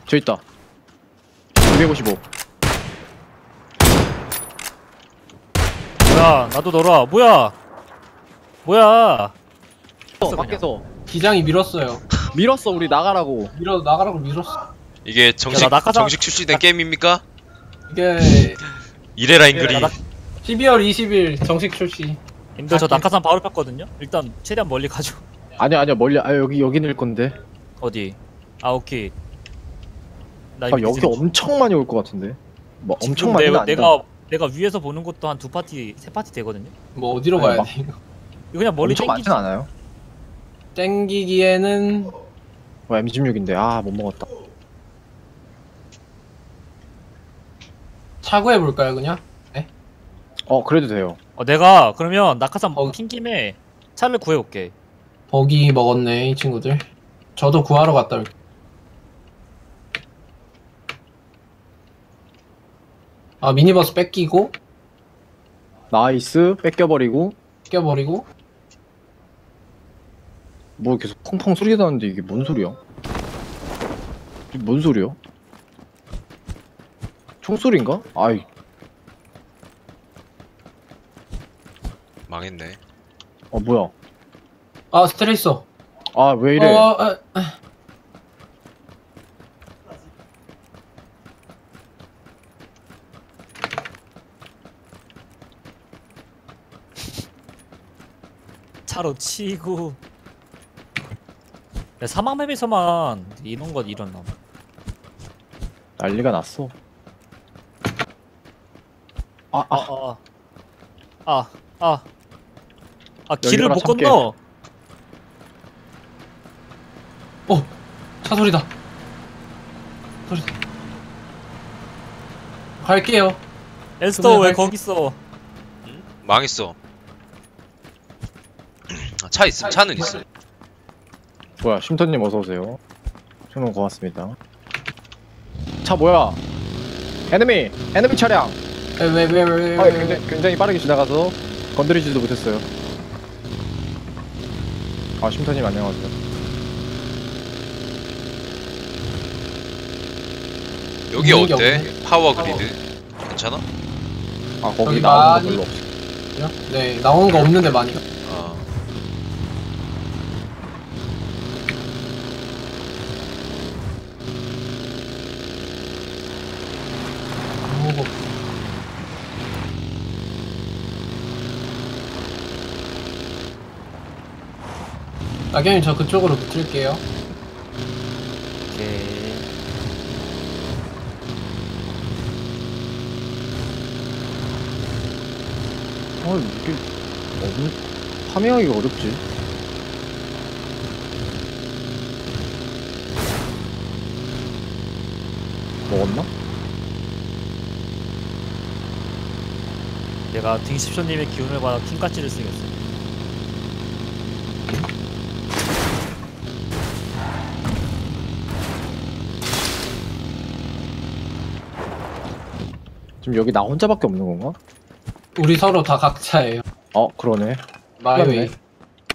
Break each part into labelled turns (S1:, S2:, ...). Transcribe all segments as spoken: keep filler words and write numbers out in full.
S1: 저 있다. 이백오십오.
S2: 뭐야 나도 놀아. 뭐야 뭐야.
S1: 어, 밖에서
S3: 기장이 밀었어요.
S1: 밀었어. 우리 나가라고.
S3: 밀어 나가라고 밀었어.
S4: 이게 정식
S2: 야, 나 낙하산-
S4: 정식 출시된 게임입니까?
S3: 이게
S4: 이래라 인글이.
S2: 야, 나-
S3: 십이월 이십일 정식 출시.
S2: 님들 저 낙하산 바로 폈거든요. 일단 최대한 멀리 가죠.
S1: 아니야 아니야 멀리. 아 여기 여기 낼 건데.
S2: 어디? 아 오케이. 나
S1: 아
S2: 이거
S1: 여기
S2: 이제-
S1: 엄청 많이 올 것 같은데. 뭐
S2: 지금
S1: 엄청 많이는
S2: 내가,
S1: 아니다.
S2: 내가 내가 위에서 보는 것도 한 두 파티 세 파티 되거든요.
S3: 뭐 어디로
S1: 아니,
S3: 가야
S1: 막-
S3: 돼 이거?
S2: 이거 그냥 멀리
S1: 엄청
S2: 땡기지.
S1: 많진 않아요.
S3: 땡기기에는
S1: 어, 엠 십육인데 아 못 먹었다.
S3: 차고해 볼까요 그냥?
S1: 어 그래도 돼요.
S2: 어 내가 그러면 낙하산
S3: 어.
S2: 핀 김에 차를 구해올게.
S3: 버기 먹었네 이 친구들. 저도 구하러 갔다 올게. 아 미니버스 뺏기고
S1: 나이스 뺏겨버리고.
S3: 뺏겨버리고
S1: 뭐 계속 펑펑 소리가 나는데 이게 뭔 소리야? 이게 뭔 소리야? 총소리인가? 아이
S4: 망했네.
S1: 어 뭐야?
S3: 아 스트레이서.
S1: 아 왜 이래?
S3: 어, 아, 아.
S2: 차로 치고. 야, 사막맵에서만 이런 것 일어나.
S1: 난리가 났어. 아,
S2: 아,
S1: 아,
S2: 아, 아, 아, 아, 길을
S1: 열려라,
S2: 못
S1: 참깨.
S2: 건너.
S3: 어, 차 소리다. 소리다. 갈게요.
S2: 엘스터 왜
S3: 그러면
S2: 거기 있어?
S4: 응? 망했어. 아, 차 있음. 차는 있어.
S1: 뭐야? 쉼터님 어서 오세요. 정말 고맙습니다. 차 뭐야? 에너미, 에너미 차량.
S3: 왜, 왜, 왜, 왜,
S1: 아,
S3: 왜, 왜.
S1: 굉장히, 굉장히 빠르게 지나가서 건드리지도 못했어요. 아, 쉼터님 안녕하세요.
S4: 여기
S3: 있는 게
S4: 어때?
S3: 없네.
S4: 파워 그리드. 괜찮아?
S1: 아, 거기
S3: 여기
S1: 나오는 거
S3: 많이-
S1: 별로 없어.
S3: 네, 나오는 거 없는데 많이.
S4: 아.
S3: 아무거 없어. 나경님 저 그쪽으로 붙을게요.
S2: 오케이.
S1: 아, 이게 너무 파밍하기가 어렵지. 먹었나?
S2: 내가 딩십쇼님의 기운을 받아 킹까지를 쓰겠어.
S1: 지금 여기 나 혼자밖에 없는 건가?
S3: 우리 서로 다 각자예요.
S1: 어, 그러네.
S3: 마이웨이.
S1: 그렇네.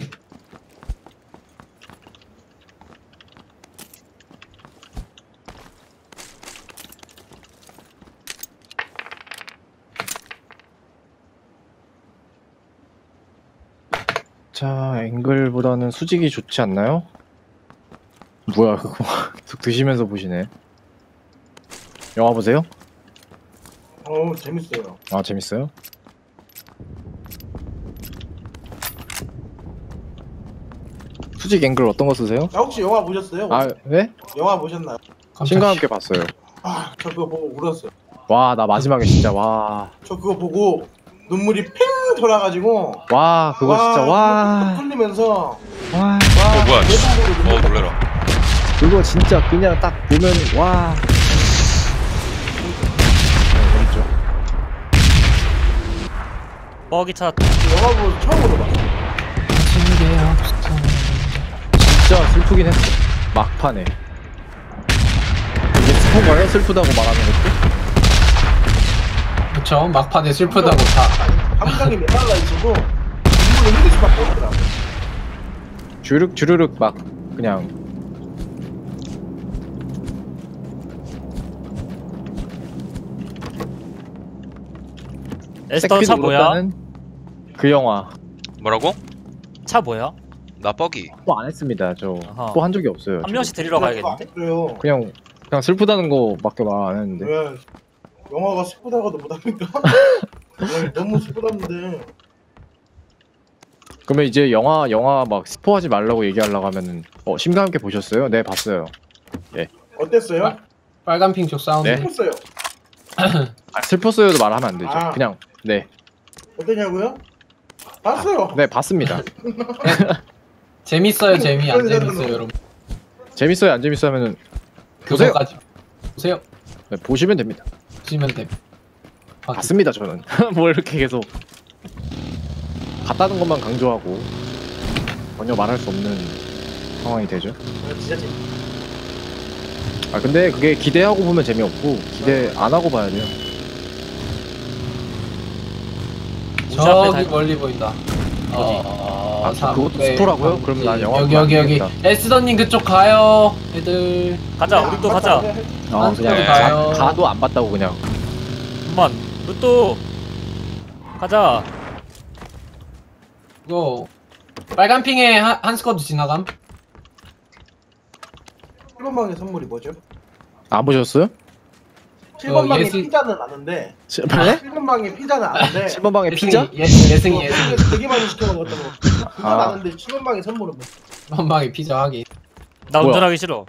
S1: 자, 앵글보다는 수직이 좋지 않나요? 뭐야, 그거. 계속 드시면서 보시네. 영화 보세요?
S5: 어우 재밌어요.
S1: 아, 재밌어요? 수직 앵글 어떤 거 쓰세요?
S5: 아 혹시 영화 보셨어요?
S1: 아, 네?
S5: 영화 보셨나요?
S1: 신과 함께 봤어요.
S5: 아 저 그거 보고 울었어요.
S1: 와, 나 마지막에 진짜, 와.
S5: 저 그거 보고 눈물이 팽 돌아가지고
S1: 와, 그거 진짜, 와.
S5: 뚫리면서
S1: 와.
S5: 와
S4: 어, 뭐야, 씨.
S5: 대박으로
S4: 어, 놀래라.
S1: 그거 진짜 그냥 딱 보면, 와. 네, 재밌죠?
S2: 뻐기 차.
S5: 영화 보고 처음으로 봤어.
S1: 진짜 슬프긴 했어. 막판에. 이게 슬픈 거예요? 슬프다고 말하는 것도?
S3: 그쵸? 막판에 슬프다고 다.
S5: 감정이 메말라 있어도 눈물을 흘릴 수밖에 없더라고.
S1: 주르륵 주르륵 막 그냥
S2: 에스터 차
S1: 색빛
S2: 뭐야?
S1: 울었다는 그 영화
S4: 뭐라고?
S2: 차 뭐야?
S4: 나 뻐기.
S1: 뭐 안 했습니다. 저
S2: 아하.
S1: 뭐 한 적이 없어요.
S2: 한 명씩 데리러 가야겠는데?
S5: 그래요.
S1: 그냥 그냥 슬프다는 거밖에 말 안 했는데.
S5: 왜 영화가 슬프다가도 못합니까? 아니, 너무 슬프다는데.
S1: 그러면 이제 영화 영화 막 스포하지 말라고 얘기하려고 하면은 어 심과 함께 보셨어요? 네 봤어요.
S5: 어땠어요?
S3: 아, 빨간 핑 쪽 사운드.
S1: 네.
S5: 슬펐어요.
S1: 아, 슬펐어요도 말하면 안 되죠.
S5: 아.
S1: 그냥 네.
S5: 어땠냐고요? 봤어요.
S1: 네 봤습니다.
S3: 재밌어요, 재미 안 재밌어요, 여러분.
S1: 재밌어요 안 재밌어요 하면은 보세요.
S3: 그거까지 보세요.
S1: 네, 보시면 됩니다.
S3: 보시면 됩니다. 아,
S1: 봤습니다 저는. 뭐 이렇게 계속 봤다는 것만 강조하고 전혀 말할 수 없는 상황이 되죠.
S5: 아, 진짜 재밌.
S1: 아 근데 그게 기대하고 보면 재미없고 기대 안 하고 봐야 돼요.
S3: 저기 멀리 보인다. 어,
S1: 아,
S3: 삼,
S1: 그것도
S3: 네,
S1: 스포라고요?
S3: 삼,
S1: 그럼 난
S3: 네.
S1: 영화
S3: 여기
S1: 보면
S3: 여기
S1: 안
S3: 여기
S1: 되겠다.
S3: 에스더님 그쪽 가요, 애들.
S2: 가자 우리 또 가자.
S1: 아
S3: 네.
S1: 그냥
S3: 가요.
S1: 가, 가도 안 봤다고 그냥.
S2: 잠만 루또 가자.
S3: 이거 빨간 핑에 한, 한 스쿼드 지나감.
S5: 칠 번 방의 선물이 뭐죠?
S1: 안 보셨어요?
S5: 칠 번
S3: 어,
S5: 방의
S3: 예술-
S5: 피자는 아는데
S1: 칠 번
S5: 칠 번 방의 피자는 아는데
S1: 칠 번 방에 피자?
S3: 예승이, 예, 예승이 예승이.
S5: 되게, 되게 많이 시켜 먹었던 거 그건
S1: 아.
S5: 아는데 칠 번 방의 선물은 뭐
S3: 한방에 피자 하기.
S2: 나
S1: 뭐야?
S2: 운전하기 싫어.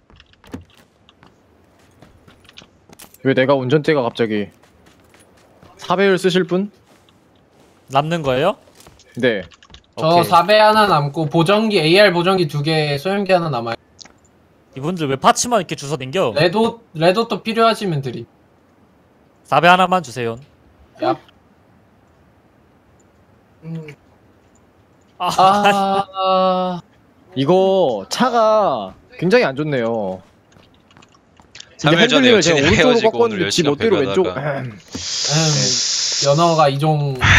S1: 왜 내가 운전대가 갑자기 사 배율 쓰실 분?
S2: 남는 거예요?
S1: 네.
S3: 저
S2: 오케이.
S3: 사 배 하나 남고 보정기 에이알 보정기 두 개, 소형기 하나 남아요.
S2: 이분들 왜 파츠만 이렇게 주워 댕겨?
S3: 레도 레도또 필요하시면 드림.
S2: 사 배 하나만 주세요.
S3: 야.
S5: 음,
S2: 아,
S3: 아,
S1: 이거 차가 굉장히 안 좋네요. 이게
S4: 삼 일 전에
S1: 핸들링을 제가
S4: 여친이랑
S1: 오른쪽으로
S4: 헤어지고 오늘
S1: 바꿨는데 지
S4: 여친이랑
S1: 멋대로 왼쪽.
S4: 배그하다가.
S3: 음, 연어가 이종 이종.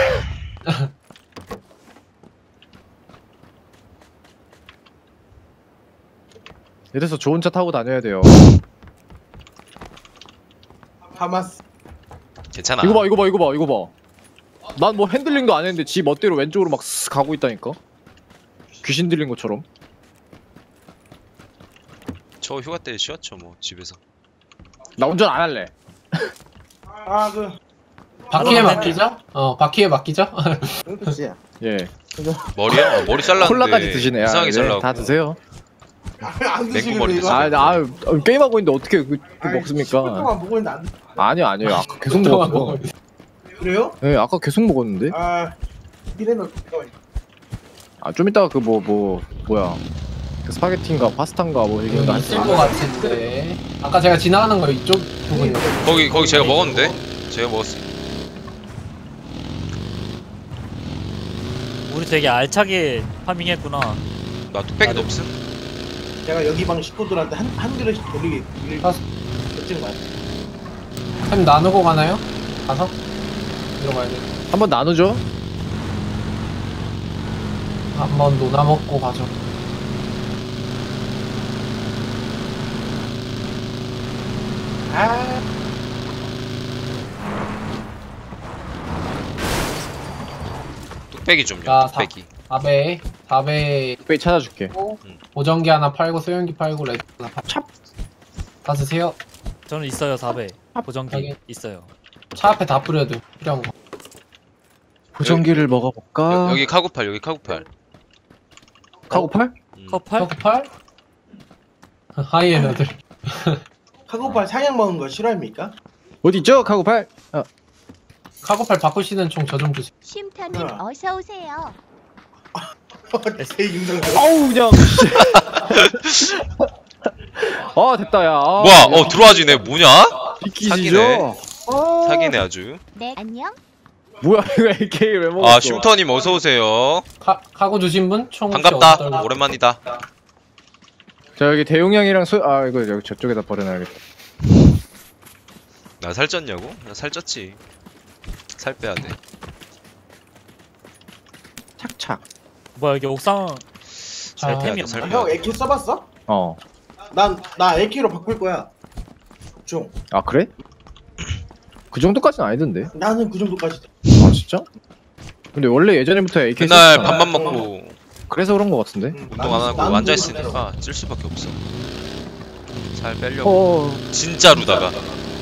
S1: 이래서 좋은 차 타고 다녀야 돼요.
S5: 하마스
S4: 괜찮아.
S1: 이거 봐, 이거 봐, 이거 봐, 이거 봐. 난 뭐 핸들링도 안 했는데 지 멋대로 왼쪽으로 막 쓱 가고 있다니까. 귀신 들린 것처럼.
S4: 저 휴가 때 쉬었죠 뭐 집에서.
S1: 나 운전 안 할래.
S5: 아그
S3: 바퀴에 맡기죠? 어, 바퀴에 맡기죠?
S5: 그렇지
S1: 예.
S4: 머리야? 아, 머리 잘랐는데.
S1: 콜라까지 드시네. 아,
S4: 이상하게
S1: 네,
S4: 잘라고.
S1: 다 드세요.
S5: 안
S4: 맹구
S5: 드시길래
S4: 머리
S5: 이거
S4: 됐어요.
S1: 아, 나 아, 게임하고 있는데 어떻게 그, 그
S5: 아이, 십 분
S1: 먹습니까?
S5: 동안 먹고 있는데 안 드-
S1: 아니요, 아니요. 아까 계속
S3: 동안
S1: 먹었어.
S3: 먹어요.
S5: 그래요?
S1: 네, 아까 계속 먹었는데.
S5: 아 미래는 잠깐만.
S1: 아, 좀 이따가 그 뭐 뭐 뭐야? 그 스파게티인가 파스타인가 뭐 이런 거
S3: 여기 있을
S1: 하시죠.
S3: 것 같은데. 아까 제가 지나가는 거 이쪽 부분이요.
S4: 거기 거기 제가 먹었는데. 제가 먹었어.
S2: 우리 되게 알차게 파밍했구나.
S4: 나 뚝배기도 없음.
S5: 제가 여기 방 식구들한테 한, 한 그릇씩 돌리게
S3: 아.
S5: 결정 맞
S3: 햄 나누고 가나요? 가서? 들어가야 돼.
S1: 한번 나누죠.
S3: 한번 노나 먹고 가죠.
S5: 아
S4: 뚝배기 좀요.
S3: 자,
S4: 뚝배기.
S3: 사 배, 사 배
S1: 빼 찾아줄게.
S3: 보정기 하나 팔고 소형기 팔고 레드 하나 팔고.
S1: 찹.
S3: 다 드세요.
S2: 저는 있어요 사 배. 보정기
S3: 여기.
S2: 있어요.
S3: 차 앞에 다 뿌려도 필요한 거.
S1: 보정기를 먹어볼까?
S4: 여, 여기 카구팔 여기 카구팔.
S1: 카고팔?
S4: 음.
S2: 커팔?
S3: 커플? 하이에너들.
S5: 카고팔 상향 먹은 거 싫어합니까?
S1: 어디 있죠? 카고팔? 아,
S3: 카고팔 바꾸시는 총 저 좀 주세요.
S6: 쉼터님
S5: 어.
S6: 어서 오세요.
S5: 제 인성
S1: 어우 그냥. 아 됐다 야. 아,
S4: 뭐야?
S1: 야,
S4: 어 들어와지네. 뭐냐?
S1: 비키시죠?
S4: 사기네.
S1: 아,
S4: 사기네 아주.
S6: 네 안녕.
S1: 뭐야 이거 에이케이 왜 먹었어?
S4: 아 쉼터님 어서 오세요.
S3: 카, 카고 주신 분? 총 혹시
S4: 반갑다.
S3: 어떨-
S4: 오랜만이다.
S1: 자 여기 대용량이랑 수... 아 이거 여기 저쪽에다 버려놔야겠다.
S4: 나 살쪘냐고? 나 살쪘지. 살 빼야 돼.
S1: 착착.
S2: 뭐야 여기 옥상
S3: 자,
S2: 제 템이
S4: 살
S2: 없나?
S5: 형 에키 써봤어?
S1: 어.
S5: 난 나 에키로 바꿀 거야 중
S1: 아 그래? 그 정도까지는 아니던데.
S5: 나는 그 정도까지.
S1: 아 진짜? 근데 원래 예전부터 에이케이
S4: 맨날
S1: 썼잖아.
S4: 밥만 먹고
S1: 그래서 그런 거 같은데.
S4: 운동 안 하고 앉아 있으니까 찔 수밖에 없어. 살 빼려고.
S1: 어,
S4: 진짜로다가.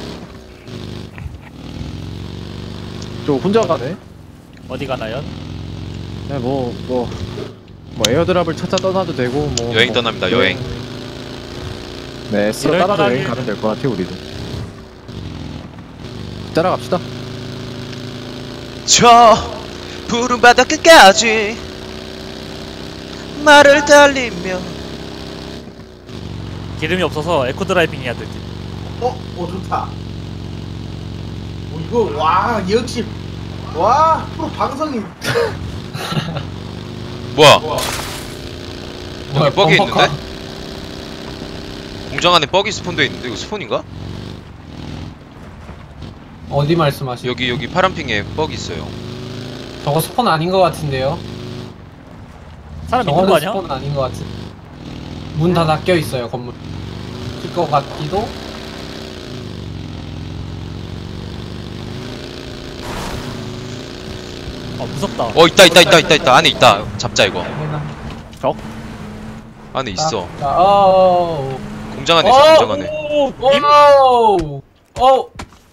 S1: 저 혼자 가네.
S2: 어디 가나요?
S1: 네, 뭐, 뭐, 뭐 에어드랍을 찾아 떠나도 되고, 뭐.
S4: 여행
S1: 뭐,
S4: 떠납니다, 여행.
S1: 네, 스로
S2: 이럴
S1: 따라서 여행
S2: 따라길-
S1: 가면 될 것 같아, 우리도. 따라갑시다.
S4: 저 푸른 바다 끝까지 말을 달리며.
S2: 기름이 없어서 에코 드라이빙 해야 되지.
S5: 어, 어 좋다. 어 이거 와 역시 와 프로 방송이.
S4: 뭐야?
S3: 뭐야,
S4: 여기 뻑이
S3: 범퍼카?
S4: 있는데? 공장 안에 뻑이 스폰돼 있는데 이거 스폰인가?
S3: 어디 말씀하시죠?
S4: 여기 여기 파란핑에 뻑이 있어요.
S3: 저거 스폰 아닌 것 같은데요?
S2: 사람 있는 거
S3: 저거는
S2: 아니야?
S3: 스폰 아닌 것 같은. 문 다 닫혀 있어요 건물. 것 같기도.
S2: 아 무섭다.
S4: 어 있다 있다 있다 있다 있다 안에 있다. 잡자 이거.
S1: 적?
S4: 안에 있어.
S3: 자, 어.
S4: 공장 안에 있어 공장 안에.
S3: 오, 오, 오.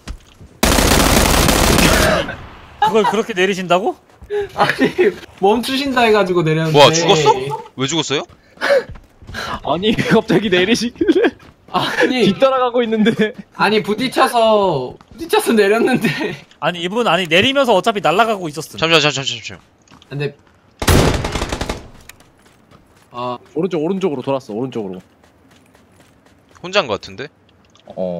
S2: 그걸 그렇게 내리신다고?
S3: 아니 멈추신다 해가지고 내렸는데.
S4: 뭐야 죽었어? 왜 죽었어요?
S1: 아니, 갑자기 내리시길래.
S3: 아니
S1: 뒤따라가고 있는데.
S3: 아니 부딪혀서 부딪혀서 내렸는데.
S2: 아니 이분 아니 내리면서 어차피 날아가고 있었음.
S4: 잠시만 잠시만 잠시만.
S3: 근데 아
S1: 오른쪽, 오른쪽으로 돌았어, 오른쪽으로.
S4: 혼자인 것 같은데?
S1: 어.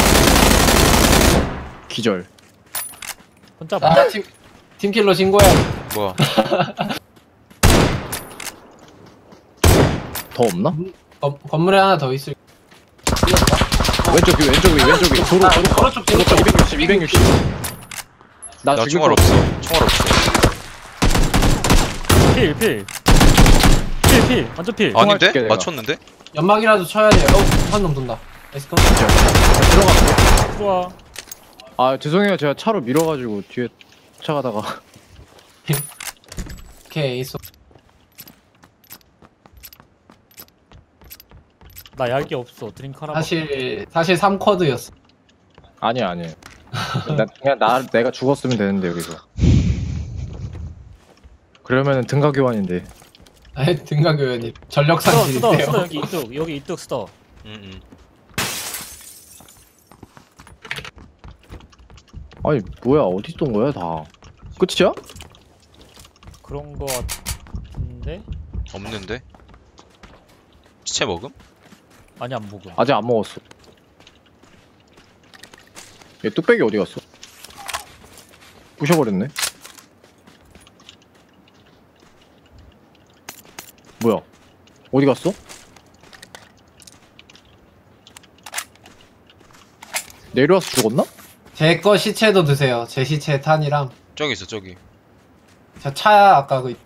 S1: 기절.
S2: 혼자 봐.
S3: 아, 팀 팀킬러 신고해.
S4: 뭐야?
S1: 더 없나?
S3: 건, 건물에 하나 더 있을.
S1: 왼쪽 위, 왼쪽 위, 왼쪽 위. 도로, 도로.
S3: 도로 쪽 도로
S1: 도로
S3: 쪽.
S1: 이백육십, 이백육십. 나,
S4: 나
S1: 지금
S4: 총알 없어. 총알 없어.
S2: 필 필. 필 필. 완전 필.
S1: 아,
S4: 아닌데?
S1: 줄게, 내가.
S4: 맞췄는데?
S3: 연막이라도 쳐야 돼요. 어, 한놈 돈다. 에스컨.
S1: 들어가.
S2: 좋아.
S1: 아, 죄송해요. 제가 차로 밀어가지고 뒤에 쫓아가다가.
S3: 오케이 있어.
S2: 나 약이 없어. 드링크 하나.
S3: 사실 사실 삼 쿼드였어.
S1: 아니야, 아니야. 나, 그냥 나, 내가 죽었으면 되는데, 여기서. 그러면은 등가 교환인데.
S3: 아, 등가교연이 전력
S2: 스더 스더
S3: 상실인데요.
S2: 스더 여기 이뚝 여기 이뚝 스더.
S4: 응응.
S1: 아니, 뭐야. 어디 있던 거야, 다. 끝이야?
S2: 그런 거 같은데?
S4: 없는데? 시체 먹음?
S2: 아니 안 먹음.
S1: 아직 안 먹었어. 얘 뚝배기 어디 갔어? 부셔버렸네. 뭐야? 어디 갔어? 내려와서 죽었나?
S3: 제 거 시체도 드세요. 제 시체 탄이랑.
S4: 저기 있어 저기.
S3: 저 차야 아까 그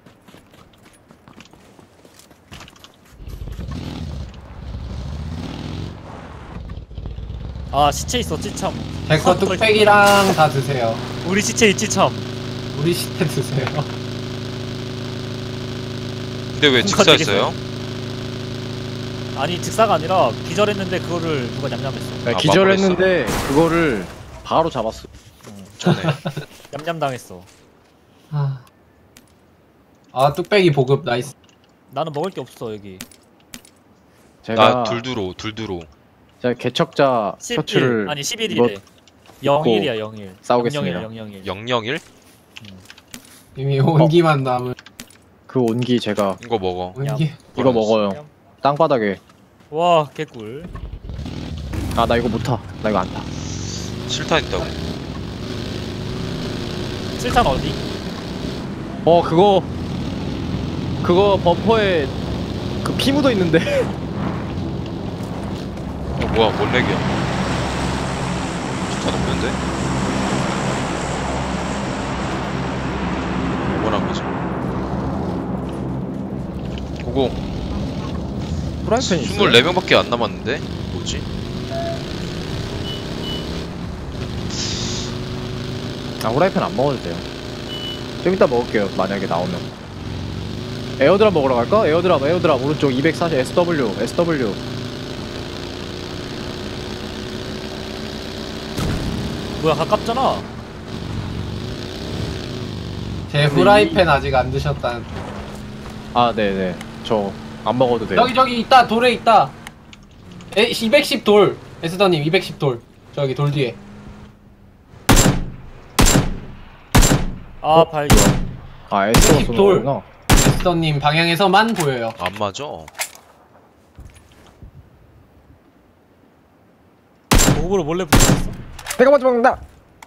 S2: 아 시체 있어 찌참.
S3: 제 거 뚝배기랑 다 드세요.
S2: 우리 시체 있지 참.
S3: 우리 시체 드세요.
S4: 근데 왜 직사했어요?
S2: 아니 즉사가 아니라 기절했는데 그거를 누가 냠냠했어.
S1: 네,
S4: 아,
S1: 기절했는데 그거를 바로 잡았어.
S4: 전에.
S2: 냠냠 당했어.
S3: 아, 아 뚝배기 보급 나이스.
S2: 나는 먹을 게 없어 여기.
S1: 제가
S4: 나 둘두로 둘두로.
S1: 제가 개척자
S2: 십일
S1: 셔츠를
S2: 아니 십일이래. 영일이야 영일.
S1: 싸우겠습니다.
S2: 영영일.
S4: 영영일?
S3: 이미 온기만 남은
S1: 그 온기 제가
S4: 이거 먹어.
S3: 온기.
S1: 이거 먹어요. 땅바닥에.
S2: 와 개꿀.
S1: 아, 나 이거 못 타. 나 이거 안 타.
S4: 실탄 있다고.
S2: 칠탄 어디?
S1: 어, 그거 그거 범퍼에 그 피 묻어 있는데.
S4: 어 뭐야 뭔 렉이야? 실탄 없는데? 뭐란 거지? 고고.
S1: 프라이팬이 있어.
S4: 스물네 명밖에 안 남았는데? 뭐지?
S1: 아 후라이팬 안 먹어도 돼요. 좀 이따 먹을게요. 만약에 나오면. 에어드랍 먹으러 갈까? 에어드랍 에어드랍 오른쪽 이백사십 에스더블유 에스더블유.
S2: 뭐야 가깝잖아.
S3: 제 후라이팬 아직 안 드셨다는.
S1: 아 네네. 저 안 먹어도 돼요.
S3: 저기 저기 있다 돌에 있다. 에, 이백십 돌. 에스더님 이백십 돌. 저기 돌 뒤에.
S2: 아 발견.
S1: 아 에스더가
S3: 이백십
S1: 쏘는
S3: 돌.
S1: 거구나.
S3: 에스더님 방향에서만 보여요.
S4: 안 맞아.
S2: 목으로 몰래 붙였어.
S1: 내가 먼저 먹는다.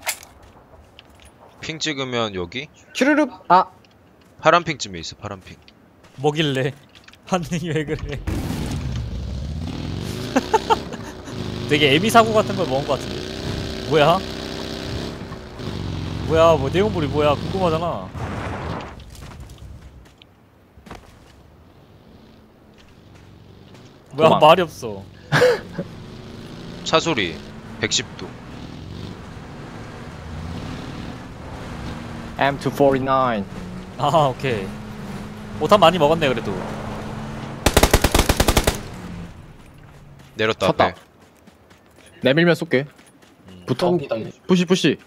S4: 핑 찍으면 여기
S1: 슈르륵. 아
S4: 파란 핑쯤에 있어. 파란 핑.
S2: 뭐길래? 반응이 왜 그래? 되게 애미 사고 같은 걸 먹은 것 같은데. 뭐야? 뭐야? 뭐 내용물이 뭐야? 궁금하잖아. 뭐야?
S1: 도망.
S2: 말이 없어.
S4: 차 소리 백십 도.
S1: 엠 투사십구.
S2: 아 오케이. 오탄 많이 먹었네 그래도.
S4: 내렸다
S1: 쳤다.
S4: 앞에.
S1: 내밀면 쏠게. 붙어.
S3: 좀 기다려.
S1: 푸시 푸시.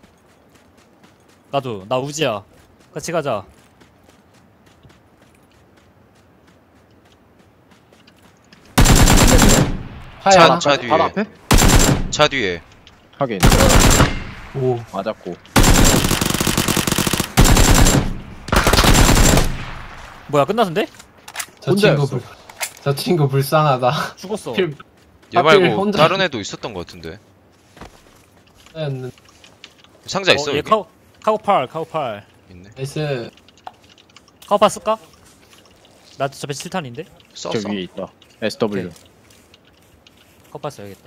S2: 나도 나 우지야. 같이 가자.
S3: 하얀.
S4: 차 뒤에.
S1: 바로 앞에?
S4: 차 뒤에.
S1: 하긴.
S3: 오.
S1: 맞았고.
S2: 뭐야 끝났는데?
S3: 저 친구
S1: 혼자였어.
S3: 불. 저 친구 불쌍하다.
S2: 죽었어.
S3: 필-
S4: 얘
S3: 하필
S4: 말고
S3: 혼자-
S4: 다른 애도 있었던 것 같은데.
S3: 였는데.
S4: 상자 있어
S2: 어, 얘
S4: 여기?
S2: 카우 카우팔 카우팔.
S4: 있네.
S3: 나이스.
S2: 카우팔 쓸까? 나 저배 칠 탄인데?
S4: 썼어.
S1: 저 위에 있다. 에스더블유.
S2: 오케이. 카우팔 써야겠다.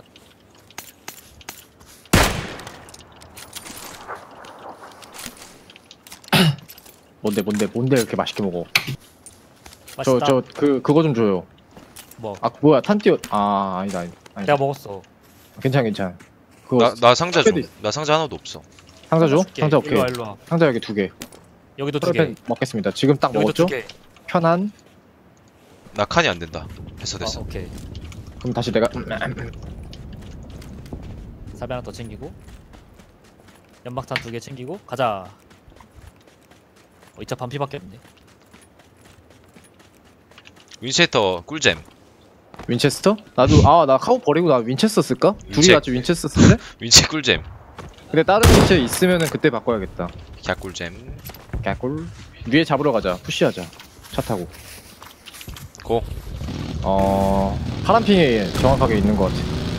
S1: 뭔데 뭔데 뭔데 이렇게 맛있게 먹어. 저
S2: 맛있다.
S1: 저 그 그거 좀 줘요.
S2: 뭐?
S1: 아 뭐야 탄 띄어. 아 아니다 아니다. 아니다.
S2: 내가 먹었어.
S1: 괜찮아 괜찮아. 그거
S4: 나, 나 상자 줘.
S1: 패드.
S4: 나 상자 하나도 없어.
S1: 상자 줘?
S2: 줄게.
S1: 상자 오케이.
S2: 일로 와 일로 와.
S1: 상자 여기 두 개.
S2: 여기도 두 개.
S1: 프라이팬 먹겠습니다. 지금 딱
S2: 여기도
S1: 먹었죠?
S2: 두 개.
S1: 편한.
S4: 나 칸이 안 된다. 됐어
S2: 아,
S4: 됐어.
S2: 오케이.
S1: 그럼 다시 내가
S2: 사배 하나 더 챙기고 연막탄 두 개 챙기고 가자. 어, 이 차 반피밖에 없네.
S4: 윈체스터 꿀잼.
S1: 윈체스터? 나도 아 나 카우 버리고 나 윈체스터 쓸까? 둘이
S4: 윈체-
S1: 같이 윈체스터 쓸래?
S4: 윈체 꿀잼.
S1: 근데 다른 윈체 있으면은 그때 바꿔야겠다.
S4: 갸 꿀잼.
S1: 개꿀. 위에 잡으러 가자. 푸시하자. 차 타고.
S4: 고.
S1: 어 파란핑에 정확하게 있는 것 같아.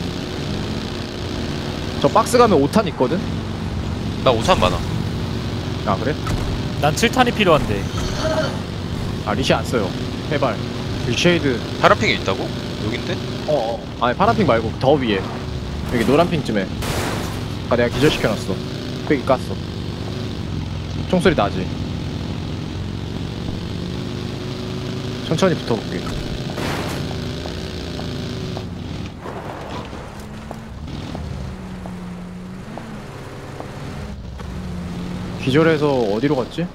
S1: 저 박스 가면 오 탄 있거든?
S4: 나 오탄 많아.
S1: 아 그래?
S2: 난 칠 탄이 필요한데.
S1: 아 리시 안 써요. 해발. 리쉐이드.
S4: 파란 핑에 있다고? 여긴데?
S1: 어어. 아니 파란핑 말고 더 위에. 여기 노란핑쯤에. 아까 내가 기절시켜놨어. 꽤 깠어. 총소리 나지? 천천히 붙어볼게. 기절해서 어디로 갔지?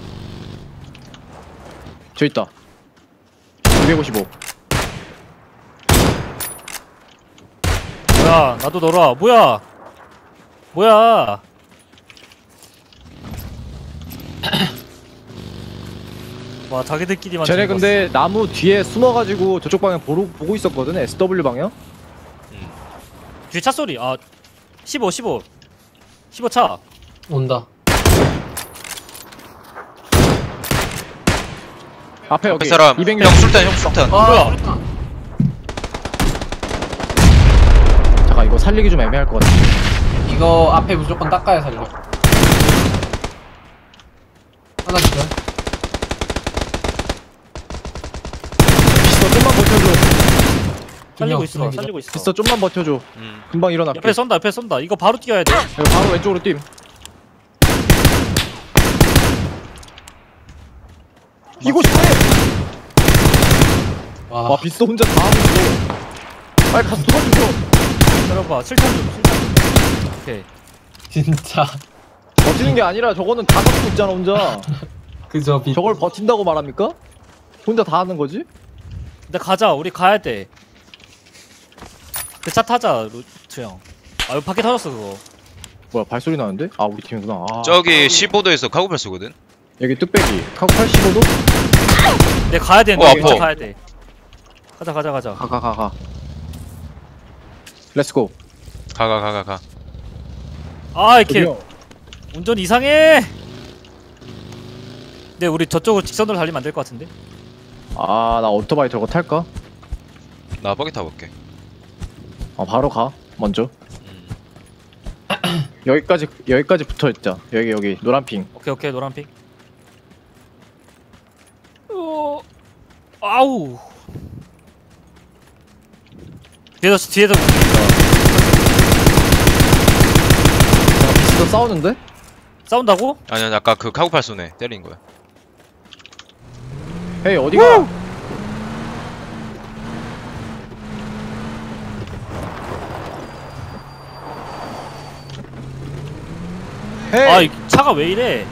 S1: 저 있다. 이백오십오.
S2: 뭐야? 나도 놀아. 뭐야? 뭐야? 와 자기들끼리만.
S1: 쟤네
S2: 즐거웠어.
S1: 근데 나무 뒤에 숨어가지고 저쪽 방향 보고, 보고 있었거든? 에스더블유 방향?
S2: 뒤에 차 소리. 아 십오 십오 십오 차.
S3: 온다.
S1: 앞에 여기
S4: 앞에 사람.
S1: 이백
S4: 형 술탄 형 술탄.
S3: 아,
S2: 뭐야?
S1: 잠깐 이거 살리기 좀 애매할 것 같아.
S3: 이거 앞에 무조건 닦아야 살려. 하나 주죠.
S1: 비스터 좀만 버텨줘.
S2: 살리고
S3: 명,
S2: 있어.
S3: 두
S2: 살리고 있어.
S1: 비스터 좀만 버텨줘.
S4: 음.
S1: 금방 일어날게.
S2: 옆에 쏜다. 옆에 쏜다. 이거 바로 뛰어야 돼.
S1: 이거 바로 왼쪽으로 뛴. 이거 싶어!
S3: 와,
S1: 와 비스터 혼자 다 하고 있어. 빨리 가서 도와주죠.
S2: 들어봐. 칠 탄 좀. 칠 탄 좀. 오케이.
S3: 진짜.
S1: 더 버티는 게 아니라 저거는 다 갖고 있잖아 혼자.
S3: 그저 비.
S1: 저걸 버틴다고 말합니까? 혼자 다 하는 거지?
S2: 근데 가자. 우리 가야 돼. 그 차 타자 루트 형. 아 여기 밖에 터졌어 그거.
S1: 뭐야 발소리 나는데? 아 우리 팀이구나. 아.
S4: 저기 십오 도에서 카고팔 쏘거든.
S1: 여기 뚝배기 카고 팔십오 도?
S2: 내 가야 되는데
S4: 어,
S2: 진짜
S4: 아파.
S2: 가야 돼. 가자 가자 가자.
S1: 가 가 가가 렛츠고.
S4: 가가 가가 가.
S2: 아 이렇게
S1: 어디요?
S2: 운전 이상해. 근데 우리 저쪽으로 직선으로 달리면 안 될 것 같은데?
S1: 아나 오토바이 저거 탈까?
S4: 나 버기 타볼게.
S1: 아 바로 가 먼저.
S4: 음.
S1: 여기까지 여기까지 붙어 있자. 여기 여기 노란 핑.
S2: 오케이 오케이 노란핑. 어... 아우. 뒤에서 뒤에서
S1: 비스도 싸우는데?
S2: 싸운다고?
S4: 아니 아니 아까 그 카고팔 쏘네 때린 거야.
S1: 헤이 어디가? 헤이.
S2: 아 이 차가 왜 이래?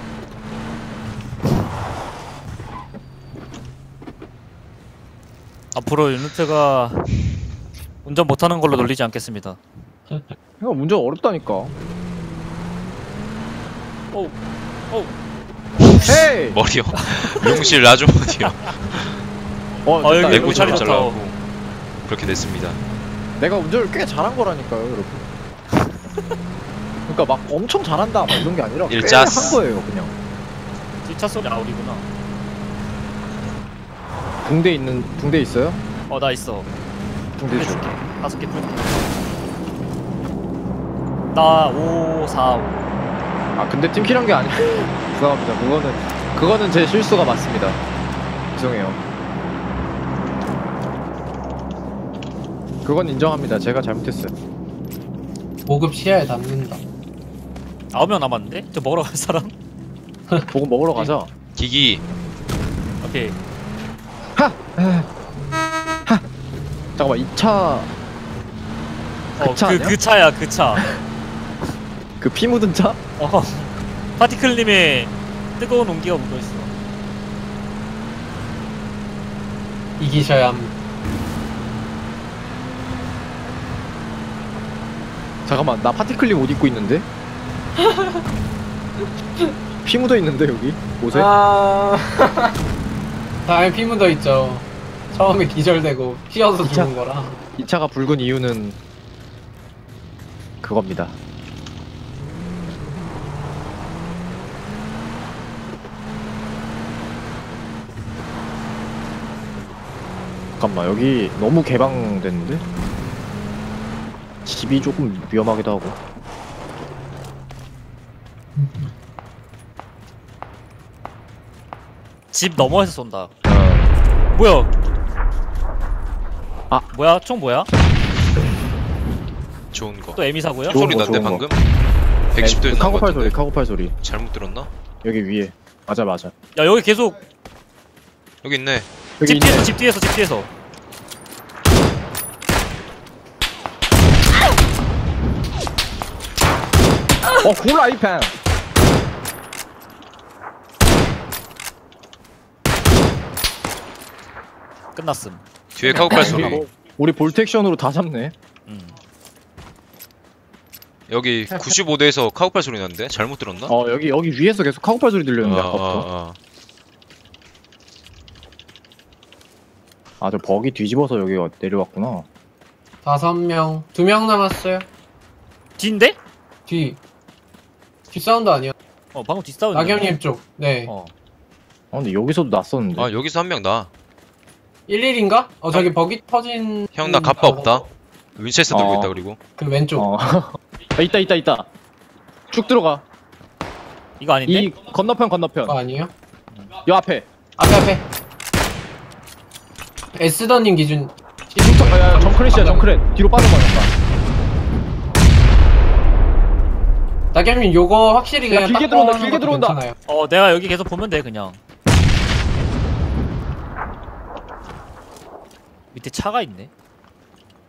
S2: 앞으로 유니트가 운전 못하는 걸로 놀리지 않겠습니다.
S1: 이거 운전 어렵다니까.
S2: 오, 오.
S1: 헤이.
S4: 머리요. 용실 아주머니요.
S1: 어,
S2: 아,
S1: 됐다.
S2: 여기
S4: 내구
S2: 자리
S4: 잘못
S2: 좋다.
S4: 잘라갖고 그렇게 됐습니다.
S1: 내가 운전을 꽤 잘한 거라니까요, 여러분. 그러니까 막 엄청 잘한다 막 이런 게 아니라 꽤
S4: 일자스.
S1: 한 거예요, 그냥.
S2: 뒷차 소리 아우리구나.
S1: 붕대 있는 붕대 있어요?
S2: 어 나 있어.
S1: 붕대 줘.
S2: 해줄게. 다섯 개 풀게. 나 오, 사, 오.
S1: 아 근데 팀킬한 게 아니야. 죄송합니다. 그거는 그거는 제 실수가 맞습니다. 죄송해요. 그건 인정합니다. 제가 잘못했어요.
S3: 보급 시야에 담는다.
S2: 아홉 명 남았는데? 저 먹으러 갈 사람?
S1: 보고 먹으러 가자.
S4: 기기
S2: 오케이.
S1: 잠깐만 이 차 그
S2: 어,
S1: 차
S2: 그,
S1: 아니야?
S2: 그 차야, 그 차.
S1: 그 피 묻은 차?
S2: 어. 파티클님의 뜨거운 온기가 묻어있어.
S3: 이기셔야 합니다.
S1: 잠깐만 나 파티클립 옷 입고 있는데? 피 묻어 있는데 여기 옷에?
S3: 아. 다음에 피 묻어 있죠. 처음에 기절되고 피어서
S1: 진짜?
S3: 죽은 거라.
S1: 이 차가 붉은 이유는 그겁니다. 잠깐만 여기 너무 개방됐는데? 집이 조금 위험하기도 하고.
S2: 집 너머에서 쏜다.
S1: 어,
S2: 뭐야?
S1: 아.
S2: 뭐야? 총 뭐야?
S4: 좋은 거.
S2: 또 에미사고요?
S1: 좋은
S4: 소리
S1: 거,
S4: 난데
S1: 좋은
S4: 방금? 백십 도에서 난거
S1: 카고팔 소리
S4: 같은데.
S1: 카고팔 소리
S4: 잘못 들었나?
S1: 여기 위에. 맞아 맞아.
S2: 야 여기 계속
S4: 여기 있네.
S1: 여기
S2: 집
S1: 있네.
S2: 뒤에서 집 뒤에서 집 뒤에서.
S1: 어 콜라 이펜.
S2: 끝났음.
S4: 뒤에 카고팔 소리.
S1: 우리, 우리 볼트 액션으로 다 잡네.
S2: 음.
S4: 여기 구십오 도에서 카고팔 소리 났는데? 잘못 들었나?
S1: 어 여기 여기 위에서 계속 카고팔 소리 들렸는데
S4: 아,
S1: 아까부터.
S4: 아, 아.
S1: 아 저 버기 뒤집어서 여기 내려왔구나.
S3: 다섯 명, 두 명 남았어요.
S2: 뒤인데?
S3: 뒤. 뒤 사운드 아니야?
S2: 어 방금 뒷사운드.
S3: 낙엽님 쪽. 네.
S2: 어.
S1: 아 근데 여기서도 났었는데.
S4: 아 여기서 한 명 나.
S3: 일일인가? 어 저기 버기 터진.
S4: 형 나 갑바 없다. 윈체스터 들고
S1: 어.
S4: 있다 그리고.
S3: 그 왼쪽.
S1: 어. 아, 있다 있다 있다. 쭉 들어가.
S2: 이거 아닌데?
S1: 이 건너편 건너편.
S3: 그거 아니에요?
S1: 요 앞에.
S3: 앞에 앞에. 에스더님 기준.
S1: 저, 야, 야, 정크렛이야 정크렛. 뒤로 빠져봐 잠깐.
S3: 낙엽님 요거 확실히
S1: 야,
S3: 그냥
S1: 길게
S3: 딱
S1: 들어온다,
S3: 꺼놓는
S1: 길게
S3: 것도
S1: 들어온다.
S3: 괜찮아요.
S2: 어 내가 여기 계속 보면 돼 그냥. 밑에 차가 있네.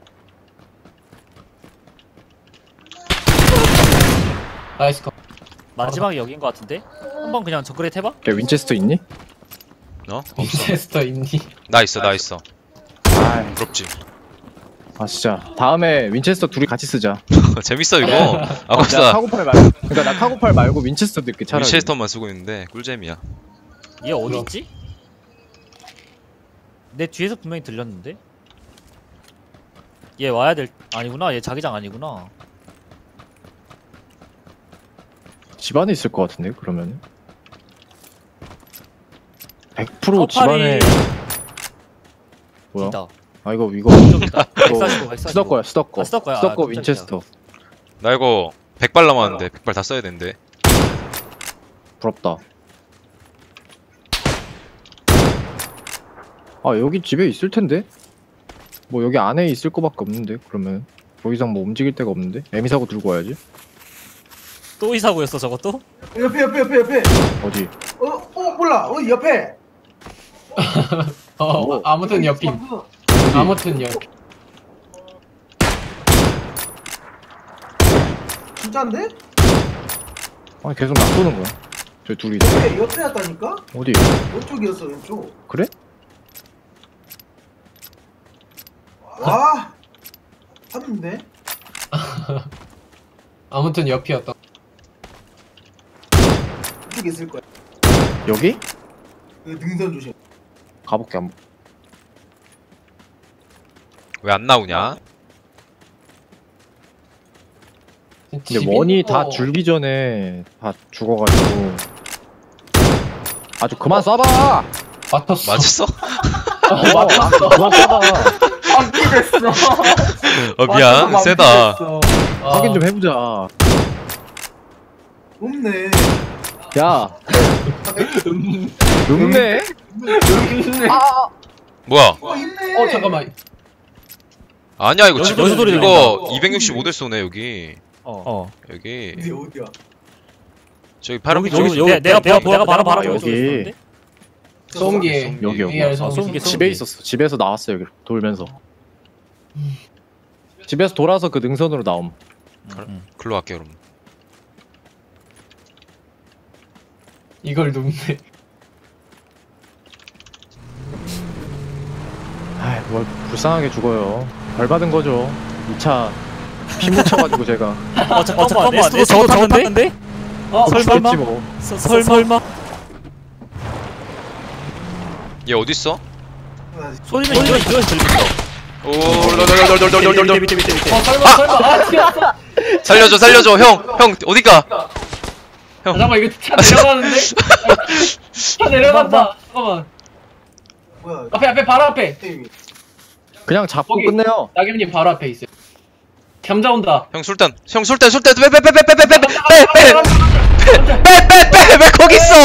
S3: 나이스 컷.
S2: 마지막에 여긴 것 같은데? 한번 그냥 정글에 해봐?
S1: 야 윈체스터 있니?
S4: 어?
S3: 윈체스터 있니?
S4: 나 있어 나 있어.
S1: 아,
S4: 부럽지.
S1: 아 진짜 다음에 윈체스터 둘이 같이 쓰자.
S4: 재밌어 이거.
S1: 내가
S4: 아깝다.
S1: 카고팔 말고 그러니까 나 카고팔 말고 윈체스터 넣게 차라리.
S4: 위체스터만 쓰고 있는데 꿀잼이야.
S2: 얘 어디
S3: 그럼.
S2: 있지? 내 뒤에서 분명히 들렸는데? 얘 와야 될 아니구나. 얘 자기장 아니구나.
S1: 집안에 있을 것 같은데 그러면. 백 퍼센트
S2: 카고팔이-
S1: 집안에. 뭐야?
S2: 있다.
S1: 아 이거 이거
S2: 좀 있다. 백사십오, 백사십오.
S1: 스덕 거야 스덕 거.
S2: 아, 스덕 거야.
S1: 스덕
S2: 아,
S1: 거
S2: 깜짝이야.
S1: 윈체스터.
S4: 나 이거 백 발 남았는데 백 발 다 써야 되는데.
S1: 부럽다. 아 여기 집에 있을 텐데? 뭐 여기 안에 있을 거밖에 없는데 그러면 더 이상 뭐 움직일 데가 없는데? 에미사고 들고 와야지.
S2: 또 이사고였어 저것도?
S5: 옆에 옆에 옆에 옆에.
S1: 어디?
S5: 어, 어 몰라. 어 옆에.
S3: 어, 아무튼 옆임. 아무튼 옆.
S5: 진짜인데?
S1: 아니 계속 놔두는 거야. 저 둘이.
S5: 옆에 옆에 왔다니까?
S1: 어디?
S5: 왼쪽이었어 왼쪽.
S1: 그래?
S5: 와. 봤는데?
S3: 아무튼 옆이었다.
S5: 이쪽에 있을 거야.
S1: 여기?
S5: 그 능선 조심.
S1: 가볼게 한번.
S4: 왜 안 나오냐?
S1: 근데 원이 다 줄기 전에 다 죽어가지고. 아주 그만 쏴봐!
S3: 맞췄어.
S4: 맞았어?
S3: 어, 맞췄어.
S1: 그만 쏴봐.
S3: 확인됐어.
S4: 어 미안 세다.
S1: 확인 좀 해보자.
S5: 없네.
S1: 야, 눕네?
S4: 뭐야?
S5: 어 있네.
S3: 어 잠깐만.
S4: 아니야 이거
S2: 여기
S4: 지금
S2: 여기 소리
S4: 이거
S5: 들린다.
S4: 이백육십오 대 쏘네 여기.
S2: 어. 어.
S4: 여기
S5: 어디 어디야?
S4: 저기 파란
S2: 여기
S4: 쪽
S2: 여기 여기 내가 내가 내가 바로 바로
S1: 여기.
S2: 여기.
S3: 소음기.
S1: 여기, 여기.
S3: 에이알
S2: 아,
S3: 소음기.
S2: 소음기,
S1: 집에 있었어. 집에서 나왔어 여기 돌면서. 집에서 돌아서 그 능선으로 나옴.
S2: 응.
S4: 글로 갈게 그럼.
S3: 이걸 눕네.
S1: 아이 뭘 불쌍하게 죽어요. 벌 받은 거죠. 이 차 피 묻혀가지고 제가.
S2: 어 잠깐만. 에스도 저거 저거 탔는데?
S3: 어
S2: 설마?
S1: 그랬지 뭐.
S2: 서- 설- 설마?
S4: 얘 어디 있어?
S2: 소리는 이거 이거 들린다.
S4: 오 롤롤롤롤롤롤롤
S2: 밑에 밑에 밑에.
S3: 어 설마 설마. 아 튀었어.
S4: 살려줘 살려줘 형 형 어디가?
S3: 아, 잠깐만 이거 차 내려가는데? 차 내려간다. 잠깐만.
S5: 뭐야?
S3: 앞에 앞에 바로 앞에.
S5: 게임이.
S1: 그냥 잡고
S3: 거기.
S1: 끝내요.
S3: 낙엽님 바로 앞에 있어요. 감자 온다.
S4: 형 술탄 형 술탄 술탄 빼빼빼빼빼빼빼빼빼빼빼빼빼 거기 있어.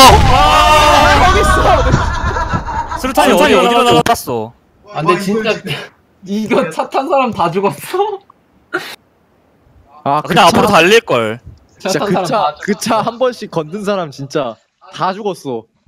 S2: 수류탄이 어디 어디로 나갔어?
S3: 아 근데 진짜 이거 차 탄 사람 다 죽었어.
S1: 아
S2: 그냥 앞으로 달릴 걸.
S3: 차
S1: 진짜
S3: 탄 사람 다
S1: 그 차 그 차 한 번씩 건든 사람 진짜 다 죽었어.